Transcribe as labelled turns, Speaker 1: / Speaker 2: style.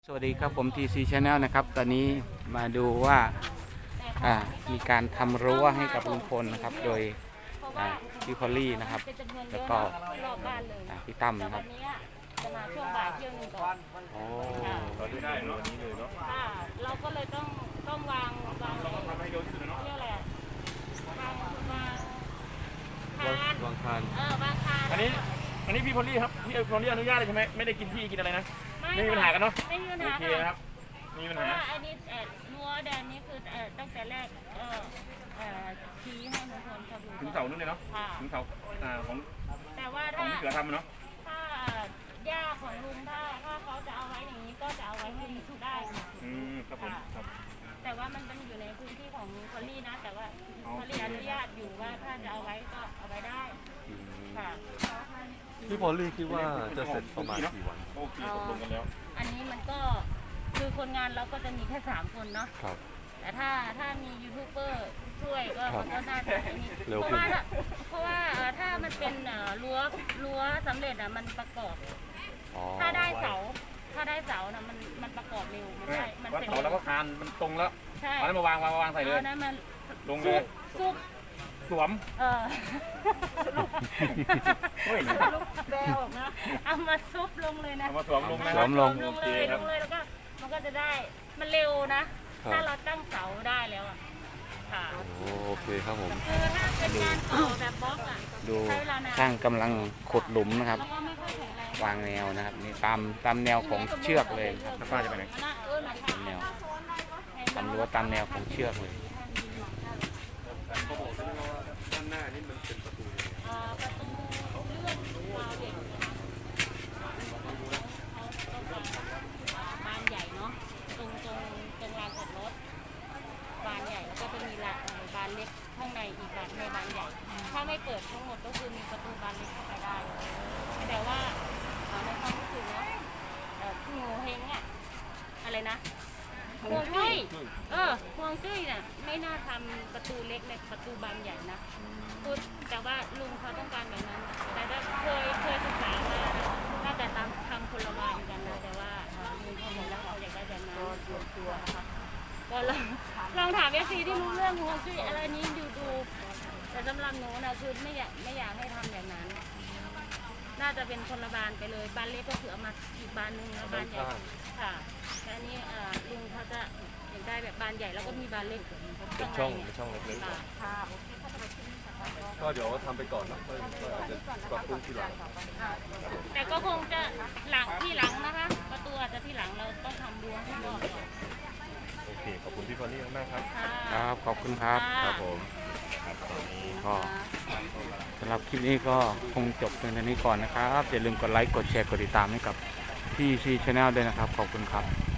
Speaker 1: สวัสดีครับผม TC Channel นะครับตอนนี้มาดูว่ามีการทำรั้วให้กับลุงพลนะครับโดยพี่พอลลี่นะครับแล้วก็พี่ตั้มนะครับ
Speaker 2: จะมาช่วงบ่ายเที่ยวนึงก่อน
Speaker 3: เราได้วันนี้เลยเนาะ
Speaker 2: เราก็เลยต้องวาง
Speaker 3: ทำให้เร็วที่สุดเนาะ
Speaker 2: เรียกอะไร
Speaker 3: วางคาน
Speaker 2: วางคาน
Speaker 3: อันนี้พี่พอลลี่ครับพี่พอลลี่อนุญาตเลยใช่ไหมไม่ได้กินที่กินอะไรนะไม่มีปัญหากันเนาะ
Speaker 2: ไม่มีปัญหา
Speaker 3: โอเคครับมีปัญหา
Speaker 2: อันนี้นัวแดนนี้คือตั้งแต่แรกชี้ให้ทุกคนเขาดู
Speaker 3: ถึงเสานู่นเลยเนาะถึงเสาของ
Speaker 2: แต่ว่า
Speaker 3: ของที่เสือทำเนาะ
Speaker 2: ถ้าย่าของลุงถ้าเขาจะเอาไว้อย่างนี้ก็จะเอาไว้ให้ได้
Speaker 3: ครับผมครับ
Speaker 2: แต่ว่ามันอยู่ในพื้นที่ของพอลลี่นะแต่ว่าพอลลี่อนุญาตอยู่ว่าถ้าจะเอาไว้ก็เอาไว้ได้ค่ะ
Speaker 4: พี่พอลลี่คิดว่าจะเสร็จประมาณกี่วัน
Speaker 3: โอเคตกลงกันแล้ว
Speaker 2: อันนี้มันก็คือคนงานเราก็จะมีแค่3 คนเนาะ
Speaker 4: ครับ
Speaker 2: แต่ถ้ามียูทูบเบอร์ช่วยก็มันก็น่าจะ
Speaker 4: เร็ว
Speaker 2: เพ
Speaker 4: ขึ้น
Speaker 2: ราะว่าถ้ามันเป็นรั้วสำเร็จมันประกอบถ้าได้เสานะมันประกอบเร็วมันได้
Speaker 3: มันเสร็จแล้วก็คานมันตรงแล้ว
Speaker 2: ใช่
Speaker 3: เอาแล้วมาวางใส่เลย
Speaker 2: นั้นมัน
Speaker 3: ลงเลย
Speaker 2: ซุก
Speaker 3: สวม
Speaker 2: แบวนะเอามาซุบลงเลยนะ
Speaker 3: เอามาสวมลงนะ
Speaker 1: สวมลง
Speaker 2: เลยแล้วก็มันก็จะได้มันเร็วนะถ้าเราตั้งเสาได้แล้วค่ะ
Speaker 4: โอเคครับผม
Speaker 2: คือถ้าเป็นงานต่อแบบบล็อก
Speaker 1: ดูช่างกำลังขุดหลุมนะครับวางแนวนะครับนี่ตามแนวของเชือกเลยครับ
Speaker 3: ป้าจะไปไหน
Speaker 1: แนวทำรั้วตามแนวของเชือกเลย
Speaker 4: ด้านหน้านี่มันเป็นประตู
Speaker 2: เลื่อนวาล์วเด็กบานใหญ่เนาะตรงลานจอดรถบานใหญ่แล้วก็จะมีบานเล็กข้างในอีกบานในบานใหญ่ถ้าไม่เปิดทั้งหมดก็คือมีประตูบานเล็กเข้าไปได้แต่ว่าในความรู้สึกนะงูเฮงอะไรนะห่วงจุ้ยห่วงจุ้ยน่ะไม่น่าทำประตูเล็กในประตูบานใหญ่นะแต่ว่าลุงเขาต้องการแบบนั้นแต่ถ้าเคยศึกษามาน่าจะทำคนละบานกันนะแต่ว่าลุงเขาบอกแล้วเขาอยากได้แบบนั้นตัวนะคะก็ลองถามFCที่รู้เรื่องห่วงจุ้ยอะไรนี้ดูแต่สำหรับหนูนะคือไม่อยากให้ทำแบบนั้นน่าจะเป็นคนละบานไปเลยบานเล็กก็คือเอามาอีกบานนึงแล้วบานใหญ่ค่ะแต่อันนี้ลุงเขาจะอยากได้แบบบานใหญ่แล้วก็มีบานเล็ก
Speaker 4: เป็นช่องเล็กๆ
Speaker 2: ค่ะ
Speaker 4: ก็เดี๋ยวทำไปก่อนนะก็อาจจะปรับปรุงทีหลัง
Speaker 2: แต่ก็คงจะที่หลังนะคะประตูอาจจะที่หลังเราต้องทำรั้วให้ก่อน
Speaker 4: โอเคขอบคุณพี่พอลลี่มากครับ
Speaker 1: ครับขอบคุณครับ
Speaker 4: ครับผม
Speaker 1: ก็สำหรับคลิปนี้ก็คงจบเพียงเท่านี้ก่อนนะครับอย่าลืมกดไลค์กดแชร์กดติดตามให้กับTC Channel ด้วยนะครับขอบคุณครับ